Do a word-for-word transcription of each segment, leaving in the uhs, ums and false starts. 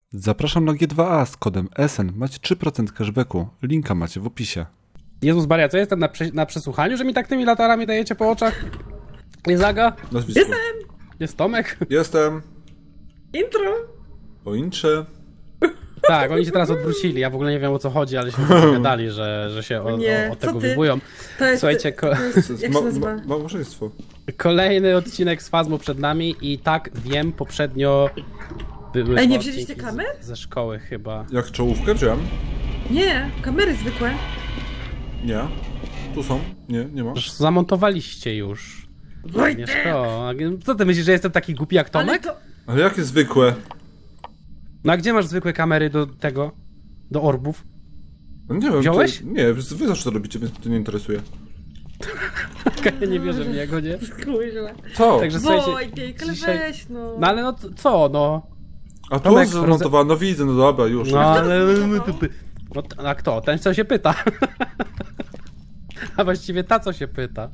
Zapraszam na G dwa A z kodem S N. Macie trzy procent cashbacku. Linka macie w opisie. Jezus Maria, co jestem na, prze na przesłuchaniu, że mi tak tymi latarami dajecie po oczach? Jest Aga? Nazwisko. Jestem! Jest Tomek? Jestem. Intro! Poinczy. Tak, oni się teraz odwrócili, ja w ogóle nie wiem o co chodzi, ale się dogadali, że, że się o, Nie, o, o co tego ty? wywołują. To jest... Słuchajcie, ko to jest jak się nazywa? Ma małżeństwo. kolejny odcinek z Fazmu przed nami i tak wiem, poprzednio były Ej, nie dwa wzięliście odcinki kamer? z, ze szkoły chyba. Jak czołówkę wziąłem? Nie, kamery zwykłe. Nie. Tu są? Nie, nie ma. Już zamontowaliście już. Wojtek! Agnieszko, a co ty myślisz, że jestem taki głupi jak Ale Tomek? to... Ale jakie zwykłe? No a gdzie masz zwykłe kamery do tego? Do orbów? No nie wiem. Wziąłeś? To, nie, wy zawsze to robicie, więc mnie to nie interesuje. Ja nie wierzę w niego, nie? Kurwa. Co? Także słuchajcie, Wojtek, ale dzisiaj- weź no. No ale no c- co, no? A tu Tomek, jest zamontowane, no widzę, no dobra, już. No ale... zmontował? No, t- a kto? Ten, co się pyta. A właściwie ta, co się pyta.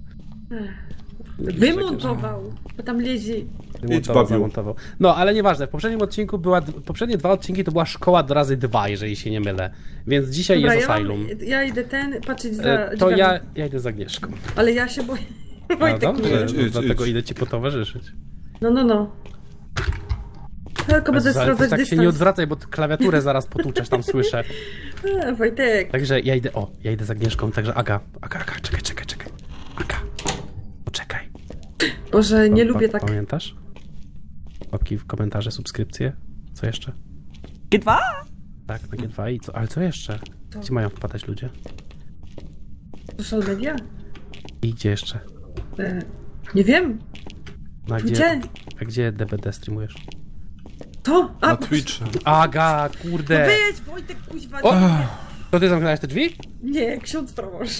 Wymontował, bo tam lezi. Wymontował, babiu. zamontował. No, ale nieważne, w poprzednim odcinku była, d- poprzednie dwa odcinki to była szkoła do razy dwa, jeżeli się nie mylę. Więc dzisiaj Dobra, jest ja, mam, Asylum. ja idę ten, patrzeć za E, To drzwiami. ja, ja idę z Agnieszką. Ale ja się boję. No Wojtek dobrze, mnie. Idź, no, idź, dlatego idź. idę ci potowarzyszyć. No, no, no. Tylko będę Jezus, ale ty sprawdzać tak się dystans. nie odwracaj, bo ty klawiaturę zaraz potłuczesz, tam słyszę. A, Wojtek. Także ja idę, o, ja idę z Agnieszką, także Aga, Aga, Aga, czekaj, czekaj, czekaj. Aga, poczekaj. Boże, nie Pa- lubię pa- tak. Pamiętasz? Łapki w komentarze, subskrypcje. Co jeszcze? G dwa? Tak, na G dwa i co? Ale co jeszcze? Gdzie mają wpadać ludzie? Social media? I gdzie jeszcze? E, nie wiem. No, a Gdzie? gdzie? A gdzie D B D streamujesz? To? A, Na Twitchu. Aga, kurde! Wejdź, Wojtek, kuźwa. O! nie. To ty zamknąłeś te drzwi? Nie, ksiądz proboszcz.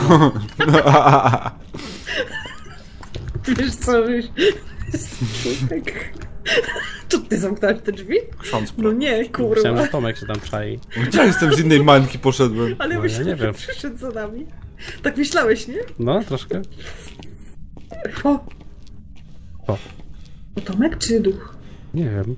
Wiesz co, wiesz... Człowiek. To ty zamknąłeś te drzwi? Ksiądz No nie, Myślałem, kurwa. że Tomek się tam czai. Gdzie ja jestem z innej mańki poszedłem? Ale No, myślę, ja nie że wiem. przyszedł za nami. Tak myślałeś, nie? No, troszkę. O! O. To Tomek czy duch? Nie wiem.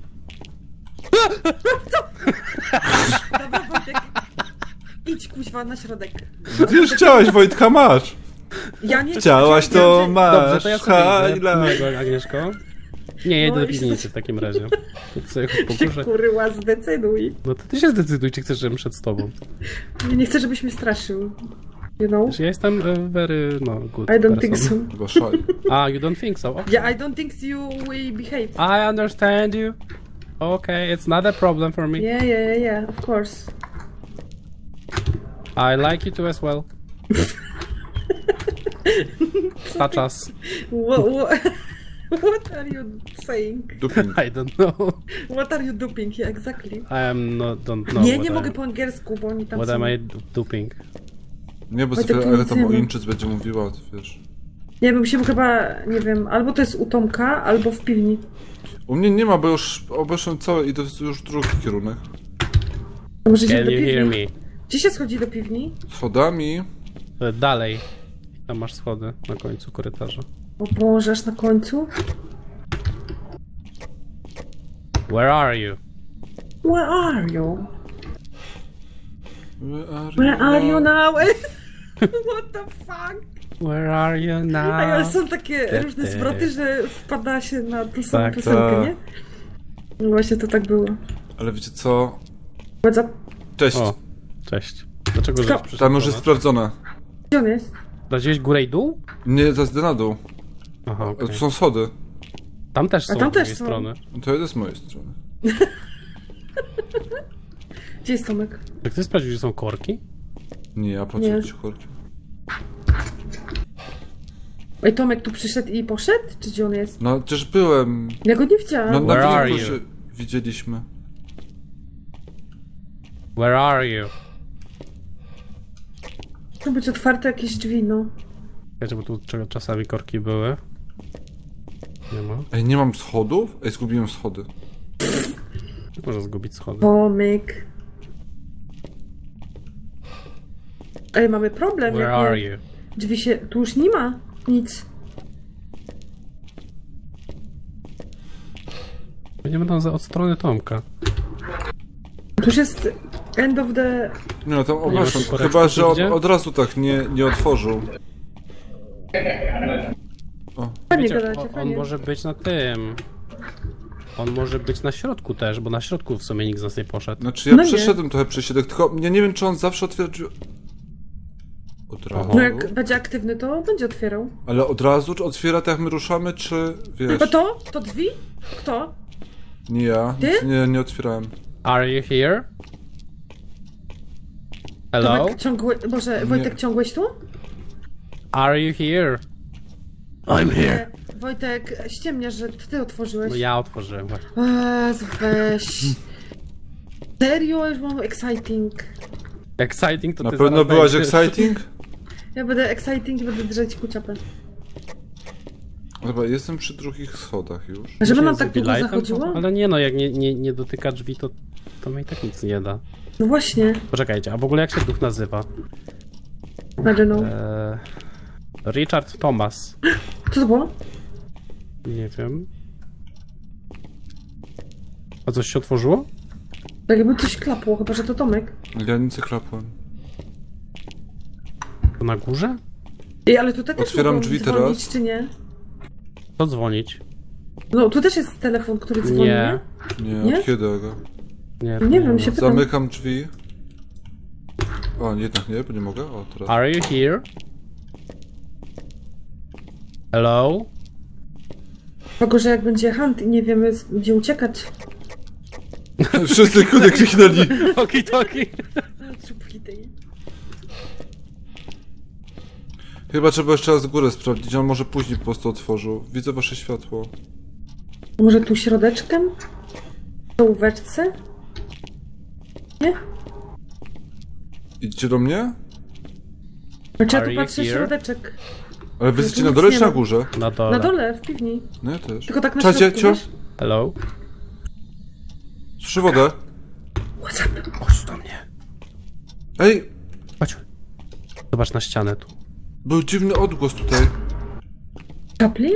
Dobra, Wojtek. Idź, kuźwa, na środek. Ty już chciałeś, Wojtka, masz. Ja nie Chciałaś, to Wiem, masz. Dobrze, to ja sobie idę. Highlight. Miłego, Agnieszko. Nie, ja idę No do i się- piwnicy w takim razie. To ty sobie że się, pokuszę. kurwa, zdecyduj. No to ty się zdecyduj, czy chcesz, żebym szedł z tobą. Nie, nie chcę, żebyś mnie straszył. You know? Wiesz, ja jestem e, very, no, good I don't person. think so. Chyba szaj. Ah, you don't think so? Okay. Yeah, I don't think you will behave. I understand you. Okay, it's not a problem for me. Yeah, yeah, yeah, yeah, of course. I like you too as well. Touch us. What, what, what are you saying? Duping. I don't know. What are you doing? Yeah, exactly. I am not, don't know nie, what nie I, mogę po angielsku, bo oni tam What są. am I duping? Nie, bo Wojtek, sobie, to ale nic tam nie o ma. Inczyc będzie mówiła, to wiesz. Nie wiem, musimy chyba, nie wiem, albo to jest u Tomka, albo w piwni. U mnie nie ma, bo już obeszłem całe i to jest już drugi kierunek. To może idziemy Can do you hear piwni. me? Gdzie się schodzi do piwni? Schodami. E, Dalej. Tam masz schody na końcu korytarza. O Boże, aż na końcu. Where are you? Where are you? Where are Where are you now? now? What the fuck? Where are you now? A ale są takie Te, różne te. zwroty, że wpada się na tą samą Tak, piosenkę, tak. nie? No właśnie to tak było. Ale wiecie co? What's up? Cześć. O, cześć. Dlaczego żeś Kto? przyszedł Tam do już jest nas? sprawdzone. Gdzie on jest? Sprawdziłeś górę i dół? Nie, to jest na dół. Aha, okej. To są schody. Tam też A są tam z też drugiej są. strony. To jest z mojej strony. Gdzie jest Tomek? Czy ty sprawdził, że są korki? Nie, ja pracuję Nie. w cichorki. Ej, Tomek tu przyszedł i poszedł? Czy gdzie on jest? No, przecież byłem. Ja go nie widziałam. No, Where na are filmiku you? się widzieliśmy. Where are you? To być otwarte jakieś drzwi, no. Wiecie, bo tu cz- czasami korki były. Nie ma. Ej, nie mam schodów? Ej, zgubiłem schody. Może zgubić schody. Tomek. Ej, mamy problem. Where jak are nie- you? Drzwi się... Tu już nie ma nic. Będziemy tam za, od strony Tomka. już jest end of the... Nie no, tam ma ogłaszam. tu Chyba, że on gdzie? od razu tak nie, nie otworzył. Fajnie Wiecie, gadacie, on, on fajnie. może być na tym. On może być na środku też, bo na środku w sumie nikt z nas nie poszedł. Znaczy ja No nie. przeszedłem trochę przez środek, tylko ja nie wiem, czy on zawsze otwiera drzwi... Od razu? No jak będzie aktywny, to będzie otwierał. Ale od razu, czy otwiera tak jak my ruszamy, czy wiesz... A to? To drzwi? Kto? Nie ja, Ty? nic nie, nie otwierałem. Are you here? Hello? Tomek, ciągły... Boże, Wojtek, ciągłeś tu? Are you here? I'm here. Nie. Wojtek, ściemniasz, że to ty otworzyłeś. No ja otworzyłem właśnie. Jezu, weź. Serio? Już mam exciting. Exciting to Na ty pewno zaraz byłaś będziesz. exciting? Ja będę exciting i będę drzeć kuciapę. Dobra, jestem przy drugich schodach już. A żeby Może nam z tak długo Lightem? zachodziło? Ale nie no, jak nie, nie, nie dotyka drzwi, to, to mi tak nic nie da. No właśnie. Poczekajcie, a w ogóle jak się duch nazywa? I don't know. Eee, Richard Thomas. Co to było? Nie wiem. A coś się otworzyło? Tak jakby coś klapło, chyba że to Tomek. Ja nic nie klapłem. To na górze? Ej, ale tu też Otwieram mogą drzwi dzwonić, teraz. czy nie? To dzwonić? No, tu też jest telefon, który dzwoni, Nie. nie? Nie, Nie? od kiedy Aga? Nie, Nie to wiem, ma. się pytam. Zamykam drzwi. O, jednak nie, bo nie mogę. O, teraz. Are you here? Hello? Tylko, że jak będzie hunt i nie wiemy z- gdzie uciekać. Wszyscy kudy kliknęli. Oki toki. Czubki tej. Chyba trzeba jeszcze raz górę sprawdzić, on może później po prostu otworzył. Widzę wasze światło. Może tu środeczkiem? Do łóweczce? Nie? Idźcie do mnie? Znaczy ja Are tu you patrzę here? środeczek. Ale wy jesteście tu na nic dole nie czy na ma. górze? Na dole. Na dole, w piwni. No ja też. Tylko tak na Czacie, środku, cio? wiesz? Hello? Słyszę wodę. What's up? Chodź do mnie. Ej, Chodź. Zobacz na ścianę tu. był dziwny odgłos tutaj. Chaplin?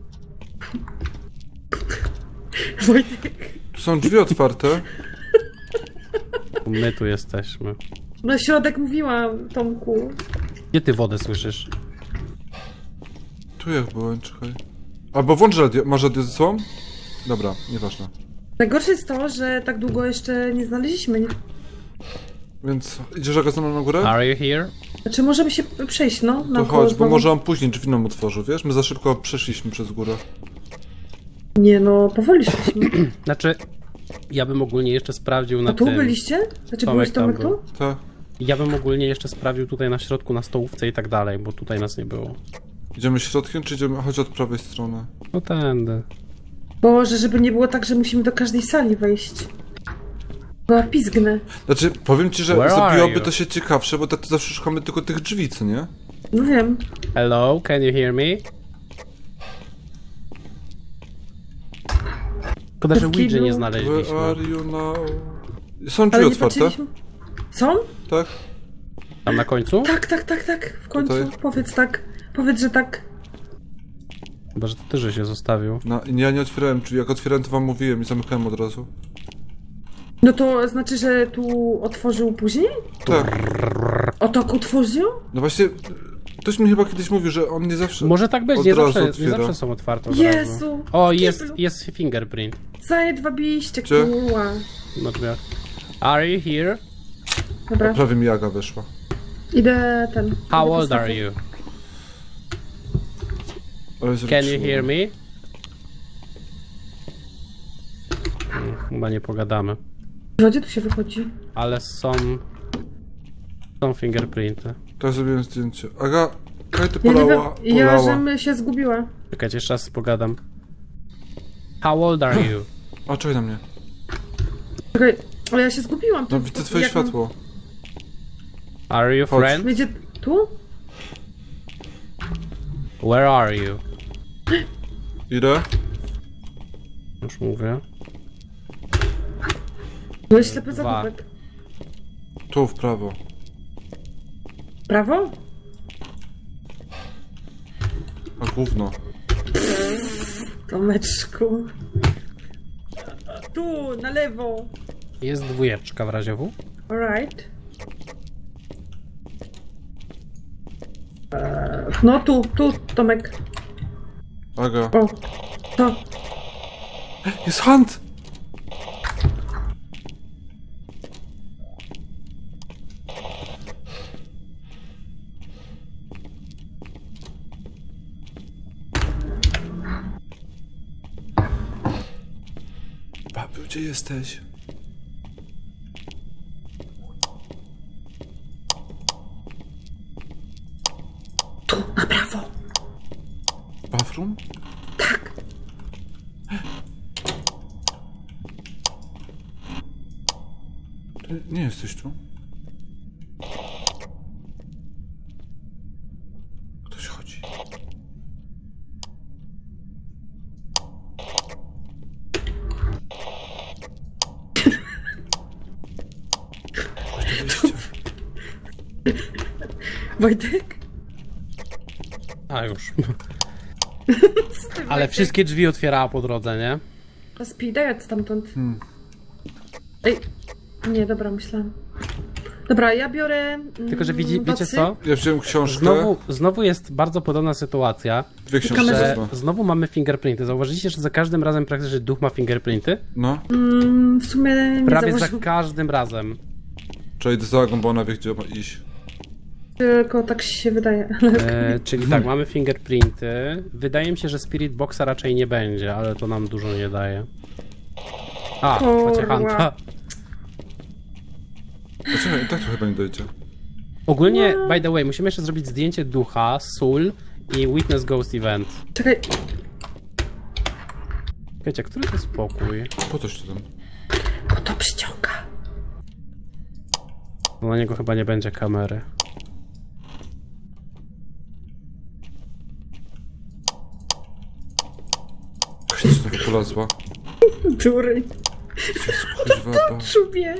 Wojtek. Tu są drzwi otwarte. My tu jesteśmy. No środek mówiłam, Tomku. Gdzie ty wodę słyszysz? Tu jak byłem, czekaj. Albo włącz radio. Masz radio ze sobą? Dobra, nieważne. Najgorsze jest to, że tak długo jeszcze nie znaleźliśmy. Nie? Więc idziesz Aga ze mną na górę? Are you here? Znaczy możemy się przejść, no. To naokoło chodź, bo znowu. może on później drzwi nam otworzył, wiesz? My za szybko przeszliśmy przez górę. Nie no, powoli szliśmy. Znaczy, ja bym ogólnie jeszcze sprawdził na A tu tym. byliście? Znaczy Tomek byłeś tam Tomek był. tu? Tak. Ja bym ogólnie jeszcze sprawdził tutaj na środku, na stołówce i tak dalej, bo tutaj nas nie było. Idziemy środkiem, czy idziemy chodź od prawej strony? No tędy. Boże, żeby nie było tak, że musimy do każdej sali wejść. Była pizgnę. Znaczy, powiem ci, że Where are zrobiłoby you? to się ciekawsze, bo tak to zawsze szukamy tylko tych drzwi, co nie? No wiem. Hello, can you hear me? Szkoda, że W Ouija kiblu. nie Where znaleźliśmy. are you now? Są drzwi Ale nie otwarte? patrzyliśmy. Są? Tak? Tam na końcu? Tak, tak, tak, tak. W końcu. Tutaj? Powiedz tak. Powiedz, że tak. Chyba, że to ty, że się zostawił. No, ja nie otwierałem drzwi, jak otwierałem to wam mówiłem i zamykałem od razu. No to znaczy, że tu otworzył później? Tak. O tak otworzył? No właśnie, ktoś mi chyba kiedyś mówił, że on nie zawsze... Może tak być, Od nie razu zawsze, nie otwiera. zawsze są otwarte od Jezu, razu. O, w jest, kiblu. jest fingerprint Zajedwabiście, Gdzie? kurwa. na drzwiach. Are you here? Dobra, Prawie mi Aga weszła. idę ten. How idę old postawię. are you? Ale Can you zwróciłem. hear me? Hmm, Chyba nie pogadamy. Gdzie tu się wychodzi? Ale są... Są fingerprinty. Teraz zrobiłem zdjęcie. Aga, kaj ty Ja nie wiem, polała, ja polała. żem się zgubiła. Czekajcie, jeszcze raz pogadam. How old are you? A, czekaj na mnie. Czekaj, ale ja się zgubiłam. No Tu- widzę twoje jak mam- światło. Are you Chodź. friend? Będzie tu? Where are you? Ile? Już mówię. Byłeś ślepy Dwa. zagubek. Tu, w prawo. Prawo? A gówno. Tomeczku. Tu, na lewo. Jest dwójeczka w razie W. Alright. Eee, no tu, tu, Tomek. Aga. O, to. Jest hunt! Babiu, gdzie jesteś? Tu, na prawo. Bathroom? Tak. Ty nie jesteś tu? Ktoś chodzi. Chodź do wyjścia. Wojtek? A już. Ale wszystkie drzwi otwierała po drodze, nie? A speedaj stamtąd. Hmm. Ej. Nie, dobra, myślałam. Dobra, ja biorę. Mm, Tylko, że widzi, wiecie docy. co? Ja wziąłem książkę. Znowu, znowu jest bardzo podobna sytuacja, Dwie książki Kamerze- że wezmę. znowu mamy fingerprinty. Zauważyliście, że za każdym razem praktycznie duch ma fingerprinty? No. Mm, w sumie nie Prawie za założył, każdym razem. Trzeba iść za Agą, bo ona wie, gdzie ma iść. tylko tak się wydaje. E, czyli tak, mamy fingerprinty. Wydaje mi się, że Spirit Boxa raczej nie będzie, ale to nam dużo nie daje. A, Kurwa. macie Hanta. Poczekaj, i tak to chyba nie dojdzie. Ogólnie, by the way, musimy jeszcze zrobić zdjęcie ducha, Soul i Witness Ghost Event. Czekaj, Wiecie, który to jest pokój? Po coś to tam? bo to przyciąga. No na niego chyba nie będzie kamery. Ktoś coś znowu polazła. Dury. Kuźwa, ba. Czubie.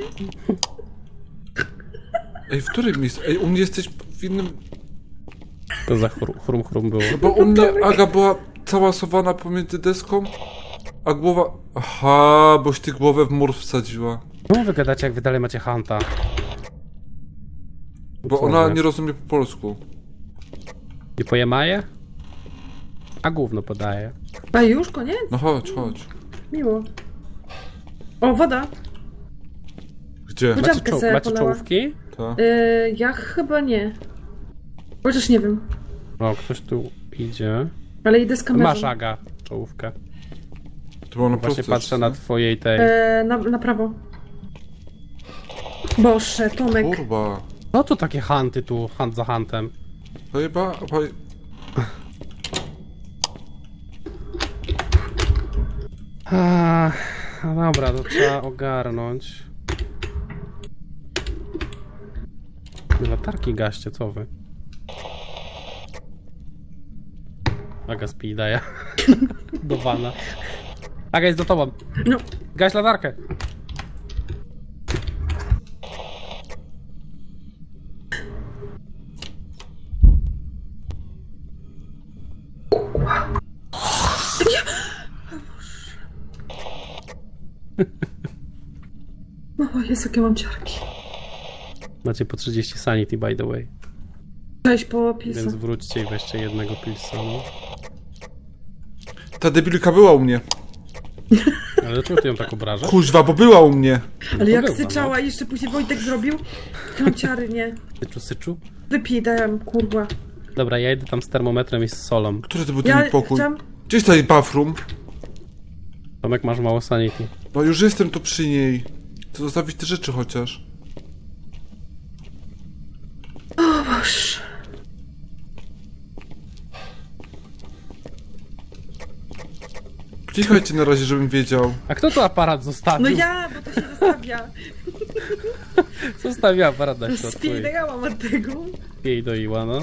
Ej, w którym miejscu? Ej, u mnie jesteś w innym... To za chrum chrum, chrum było. No bo u mnie Aga była cała sowana pomiędzy deską, a głowa... Aha, boś ty głowę w mur wsadziła. Czemu wy gadacie, jak wy dalej macie Hanta? Bo Co ona wy? nie rozumie po polsku. Nie pojemaje? A gówno podaje. A już koniec? No chodź, chodź. Miło. O, woda. Gdzie? Chodź. Macie, Dziadkę czoł sobie macie polała. czołówki? Ta. Yy, ja chyba nie. Chociaż nie wiem. O, ktoś tu idzie. Ale idę z kamerą. Masz, Aga, czołówkę. To było na Właśnie prosto. patrzę na twojej tej. Yy, na, na prawo. Boże, Tomek. Kurwa. No to takie Hanty tu, Hunt za Huntem. Chyba... A, no dobra, to trzeba ogarnąć. Latarki gaście, co wy? Aga spi daje. Do wana. Aga jest za tobą. No. Gaś latarkę. O Jezu, jakie mam ciarki. Macie po trzydzieści sanity, by the way. Cześć po pilsa. Więc wróćcie i weźcie jednego pilsa, no. Ta debilka była u mnie. Ale czemu ty ją tak obrażasz? Kuźwa, bo była u mnie. Ale to jak bywa, syczała i jeszcze później Wojtek zrobił. Jakie mam ciary, nie. Syczu, syczu. Wypij, dałem, kurwa. Dobra, ja idę tam z termometrem i z solą. Który to był Ja ten pokój? chciałam... Gdzieś tutaj bathroom. Tomek, masz mało sanity. No już jestem tu przy niej. To zostawić te rzeczy chociaż. O Boże. Klikajcie na razie, żebym wiedział. A kto tu aparat zostawił? No ja, bo to się zostawia. Zostawił aparat na środku i Spijdałam od tego. jej doiła, no.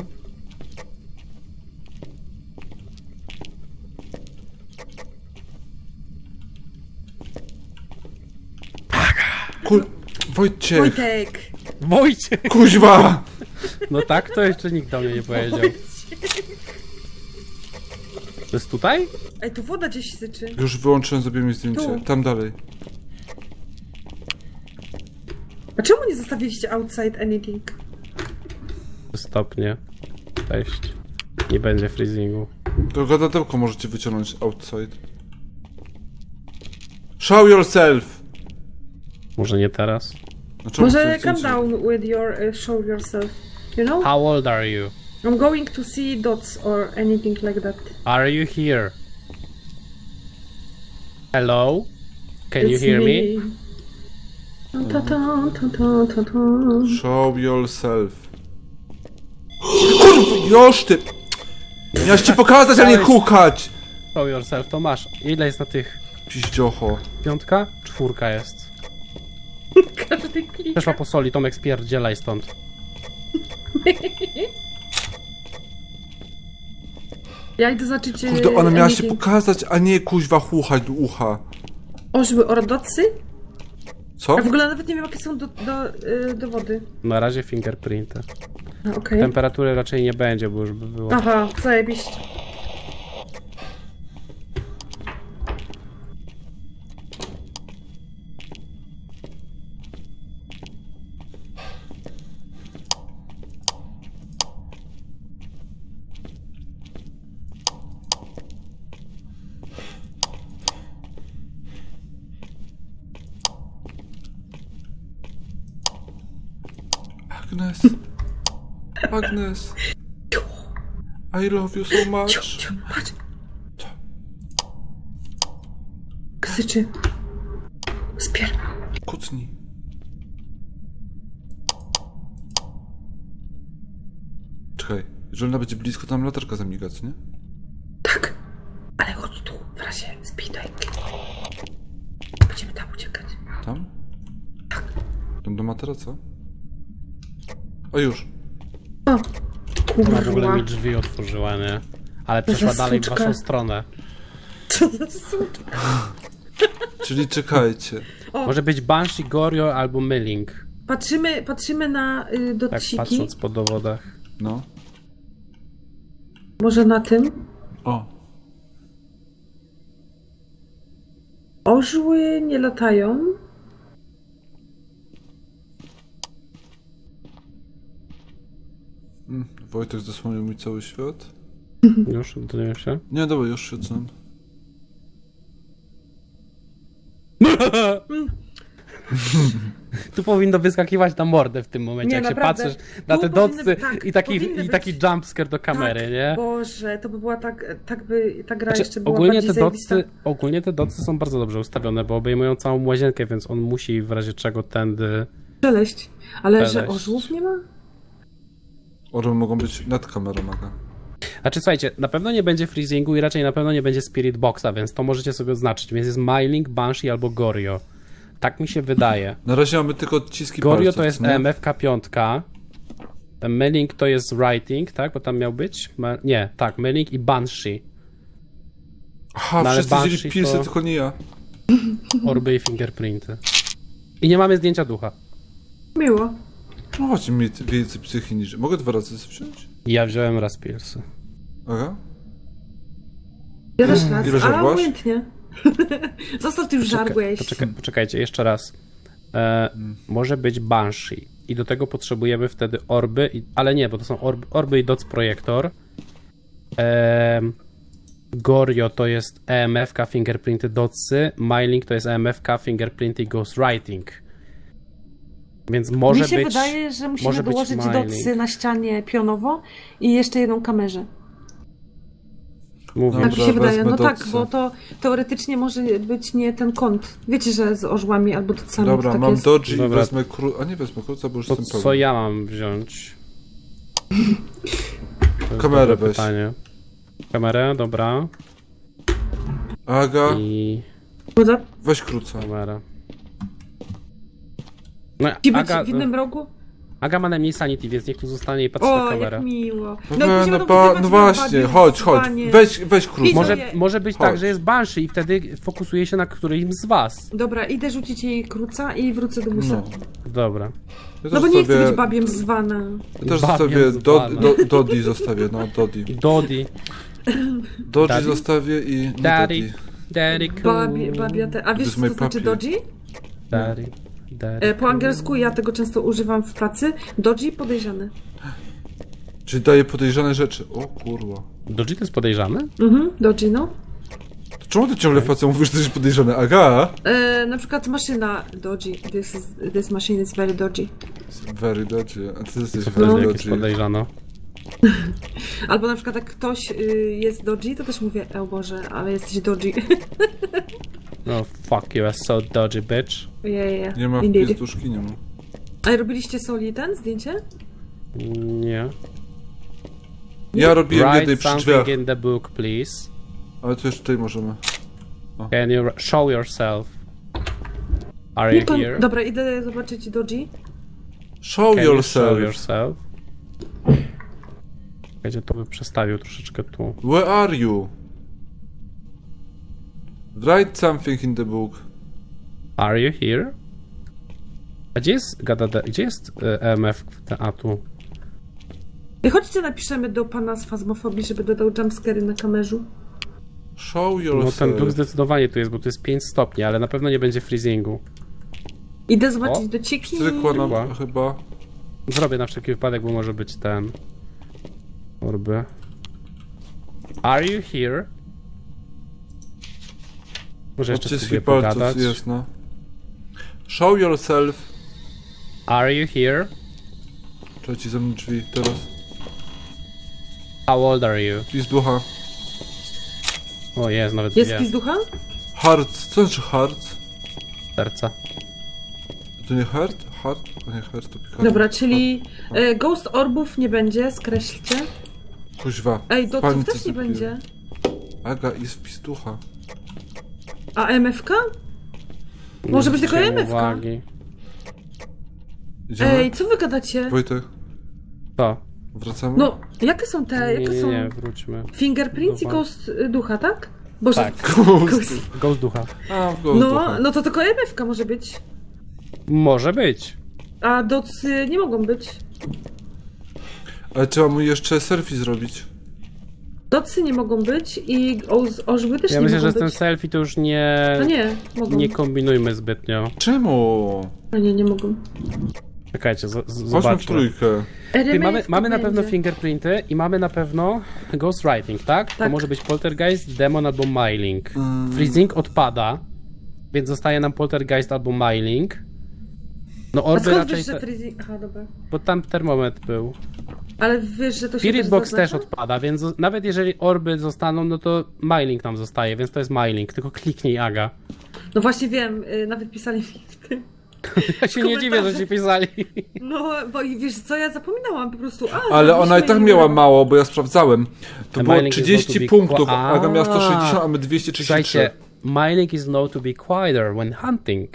Kul... Wojciech. Wojtek. Wojciech! Kuźwa! No tak, to jeszcze nikt do mnie nie powiedział. To jest tutaj? Ej, tu woda gdzieś syczy. Już wyłączyłem, zrobiłem mi zdjęcie. Tu. Tam dalej. A czemu nie zostawiliście outside anything? Stopnie. Cześć. Nie będzie freezingu. To gadadełko możecie wyciągnąć outside. Show yourself! Może nie teraz? No czemu Może chcecie come zdjęcie? down with your uh, show yourself. You know? How old are you? I'm going to see dots or anything like that. Are you here? Hello? Can you It's hear me? Ta, ta, ta, ta, ta, ta. Show yourself. Kurwa, już ty! Miałeś ci pokazać, a nie kukać! Show yourself, to masz. Ile jest na tych? Piździocho. Piątka? Czwórka jest. Każdy klika. Przeszła po soli, Tomek spierdzielaj stąd. Ja idę zobaczyć... e, Kurde, ona miała się anything. pokazać, a nie kuźwa chuchać do ucha. Orzły ordocy? Co? Ja w ogóle nawet nie wiem, jakie są do, do, y, dowody. Na razie fingerprinty. A, okej. Temperatury raczej nie będzie, bo już by było. Aha, zajebiście. Agnes. Agnes. I love you so Ciu, much. ciu, patrz. Co? Ksyczy. Spier. Kucnij. Czekaj, jeżeli ona będzie blisko, to nam latarka zamiga, co nie? Tak. Ale chodź tu, w razie speedbike. Będziemy tam uciekać. Tam? Tam do materaca? O już. O, Ona w ogóle kurwa. mi drzwi otworzyła, nie? Ale przeszła za dalej w suczka. waszą stronę. Co za suczka. Czyli czekajcie. O, Może być Banshee, Gorio albo Milling. patrzymy, patrzymy na y, Tak dociki. patrząc po dowodach. No. Może na tym. O. Orzły nie latają. Mm, Wojtek zasłonił mi cały świat. Już oddaję się. Nie, dobra, już siedzę. Tu powinno wyskakiwać na mordę w tym momencie, Nie, jak naprawdę. się patrzysz na Tu te powinny- docy tak, i taki, powinny i taki być- jumpscare do kamery, tak, nie? Boże, to by była tak, tak by ta gra Znaczy, jeszcze była ogólnie, bardziej te zajebista. docy, ogólnie te docy są bardzo dobrze ustawione, bo obejmują całą łazienkę, więc on musi w razie czego tędy... Szeleść. Ale że Szeleść. orzłów nie ma? Orły mogą być nad kamerą, Aga. Znaczy słuchajcie, na pewno nie będzie freezingu i raczej na pewno nie będzie Spirit Boxa, więc to możecie sobie oznaczyć, więc jest Myling, Banshee albo Gorio. Tak mi się wydaje. Na razie mamy tylko odciski Gorio palców, to jest nie? E M F K pięć. Ten Myling to jest Writing, tak? Bo tam miał być? Ma... Nie, tak, Myling i Banshee. Aha, No ale wszyscy wzięli Banshee pilsy, to- tylko nie ja. Orby i fingerprinty. I nie mamy zdjęcia ducha. Miło. No chodź mi więcej psychi niż... Mogę dwa razy wziąć? Ja wziąłem raz pilsy. Aga? Ja też raz, Ile ale żarłaś? obojętnie. Zostaw, ty już żarłeś. Poczekaj, poczekajcie, jeszcze raz. E, może być Banshee. I do tego potrzebujemy wtedy orby, i, ale nie, bo to są orby, orby i dots projektor. E, Gorio to jest E M F K, fingerprinty, dotsy. Myling to jest E M F K, fingerprinty i ghostwriting. Więc może Mi się być... wydaje, że musimy może być dołożyć Myling. docy na ścianie pionowo i jeszcze jedną kamerze. Mówię, Tak mi się wydaje. wezmę No tak, docy. bo to teoretycznie może być nie ten kąt. Wiecie, że z orzłami albo docami Dobra, to tak mam jest. dodge, Dobra. wezmę kru... A nie wezmę kruca, bo już to jestem pełny. co ja mam wziąć? To jest Kamerę dobre weź. pytanie. Kamerę, dobra. Aga, I Woda? weź kruca. kamera. No, Ci być Aga, w innym rogu? Aga ma najmniej sanity, więc niech tu zostanie i patrzy O, na jak kamerę. miło. No, jak no, będziemy no, to pa, wyzywać no na właśnie, badiu, chodź, chodź. zwanie. Weź, weź kruca. Widzę. Może, może być tak, Chodź. że jest Banshee i wtedy fokusuje się na którymś z was. Dobra, idę rzucić jej kruca i wrócę do busa. No. Dobra. Ja No też bo nie chcę zostawię- być babiem zwana. Ja też Babiem zostawię do, zwana. do, Dodi zostawię, no Dodi. Dodi. Dodzi Daddy? zostawię i nie Daddy. Dodi. Daddy cool. Babie, babia te... A wiesz, is co my to znaczy puppy. dodzi? Daddy. E, po angielsku ja tego często używam w pracy. Dodgy podejrzany. Czyli daje podejrzane rzeczy. O kurwa. Dodgy to jest podejrzany? Mhm, dodgy, no. To czemu ty ciągle facet mówisz, że jesteś podejrzany? Aga? E, na przykład maszyna dodgy. This, is, this machine is very dodgy. Very dodgy. A ty jesteś Co very wtedy, jak jest dodgy. podejrzano? Albo na przykład jak ktoś y, jest dodgy, to też mówię, o Boże, ale jesteś dodgy. No fuck you, are so dodgy bitch. yeah, yeah. Nie ma Indeed. wpistuszki, nie ma. A robiliście soli ten zdjęcie? Nie. Ja robiłem jednej Write przy drzwiach. something in the book, please. Ale to już tutaj możemy. Can you show yourself? Are Nie, you pan... here? Dobra, idę zobaczyć dodgy. Show Can you show yourself. yourself? Czekajcie, to by przestawił troszeczkę tu. Where are you? Write something in the book. Are you here? A gdzie jest gadada, gdzie jest e, E M F teatru? I chodźcie napiszemy do pana z fazmofobii, żeby dodał jumpscary na kamerzu. Show No yourself. ten duch zdecydowanie tu jest, bo tu jest pięć stopni, ale na pewno nie będzie freezingu. Idę zobaczyć O, do ciki. Strykła nam Chyba. chyba. Zrobię na wszelki wypadek, bo może być ten... Orby. Are you here? Może jeszcze Odciski spróbuję palców pogadać. jest, no. Show yourself. Are you here? Trzeba ci zamknąć drzwi teraz. How old are you? Pizducha. O, jest nawet Jest dwie pizducha? Hearts. Co znaczy hearts? serca. To nie heart? Heart? To nie heart, to piekarnia. Dobra, czyli e, Ghost Orbów nie będzie, skreślcie. Kuźwa. Ej, doców Panice też nie zapiję. będzie. Aga, jest pizducha. A M F K? Może być tylko zwróciłem M F K. uwagi. Idziemy? Ej, co wy gadacie? Wojtek, To. wracamy? No, jakie są te, Nie, jakie nie, są nie, wróćmy. fingerprints i Dobra. ghost y, ducha, tak? Boże, Tak. Ghost. Ghost ducha. A, w ghost no, ducha. no to tylko M F K może być. Może być. A docy nie mogą być. Ale trzeba mu jeszcze selfie zrobić. Docy nie mogą być i oz- orzły też Ja nie myślę, mogą że z tym być. selfie to już nie... No nie, mogą. Nie kombinujmy zbytnio. Czemu? No nie, nie mogą. Czekajcie, z- z- Chodźmy w zobaczmy. trójkę. Ty, mamy, R M F mamy na będzie. pewno fingerprinty i mamy na pewno ghostwriting, tak? To Tak. może być poltergeist, demon albo myling. Mm. Freezing odpada, więc zostaje nam poltergeist albo myling. No A orby skąd raczej, wiesz, że te, freezing... Aha, dobra. bo tam termometr był. Ale wiesz, że to się Spirit też box też zaznacza? odpada, więc zo- nawet jeżeli orby zostaną, no to myling nam zostaje, więc to jest myling. Tylko kliknij, Aga. No właśnie wiem, y, nawet pisali mi w tym. Ja się nie dziwię, że ci pisali. No, bo i wiesz co, ja zapominałam po prostu. A, Ale ona i tak miała mało, bo ja sprawdzałem. To The było mailing is trzydzieści going to be punktów, qua- Aga miała sto A. sześćdziesiąt, a my dwieście trzydzieści trzy. Słuchajcie, myling is known to be quieter when hunting.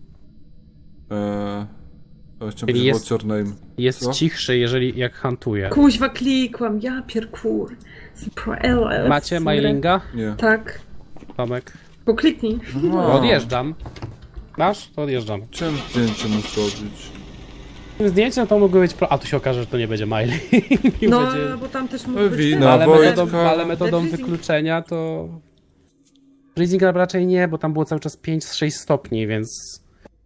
Eee, chciałem Czyli powiedzieć, jest- what's your name? Jest Co? cichszy, jeżeli jak huntuje. Kuźwa, klikłam, ja pierkur. Pro- Macie mylinga? Nie. Tak. Tomek. Pokliknij. No. Odjeżdżam. Masz? To odjeżdżam. Chciałem zdjęcie mu zrobić. Tym zdjęciem to mógłby być pro... A tu się okaże, że to nie będzie myling. I No, będzie... bo tam też mógł No, być wina, ten. ale, Wojtka. metodą, ale metodą Freezing. wykluczenia to... Freezing raczej nie, bo tam było cały czas pięć z sześć stopni, więc...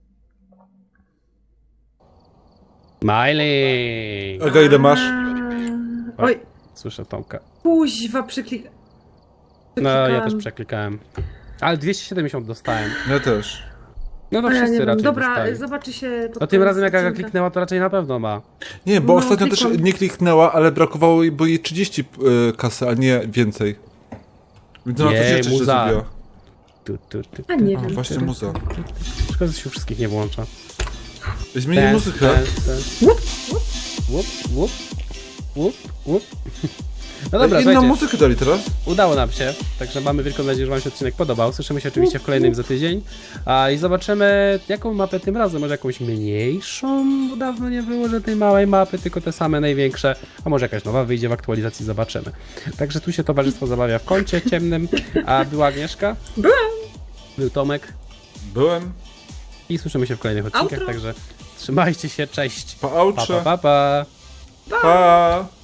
Myling! Aga, ile masz? A, Oj, Słyszę Tomka. kuźwa, przyklik... No, ja też przeklikałam. przeklikałem. Ale dwieście siedemdziesiąt dostałem. Ja też. No to A ja nie wszyscy wiem. raczej Dobra, dostali. zobaczy się... pod No tym koniec razem jak Aga odcinka. kliknęła, to raczej na pewno ma. Nie, bo No, ostatnio też klikam. nie kliknęła, ale brakowało jej, bo jej trzydzieści y, kasy, a nie więcej. Więc ona coś Jej, jeszcze źle muza. zrobiła. Tu, tu, tu, A nie A, wiem. właśnie muza. Szkoda, że się wszystkich nie włącza. Zmieni Dance, muzykę. dance, dance. Łup, łup, łup, łup, łup. No dobra, Inną słuchajcie, muzykę dali teraz? udało nam się, także mamy wielką nadzieję, że wam się odcinek podobał. Słyszymy się oczywiście w kolejnym za tydzień. A, i zobaczymy, jaką mapę tym razem. Może jakąś mniejszą, bo dawno nie było, że tej małej mapy, tylko te same największe. A może jakaś nowa wyjdzie w aktualizacji, zobaczymy. Także tu się towarzystwo zabawia w kącie ciemnym. A była Agnieszka? Byłam. Był Tomek. Byłem. I słyszymy się w kolejnych odcinkach, Outro. także trzymajcie się, cześć. Pa Pa, aucze. pa, pa, pa. Pa.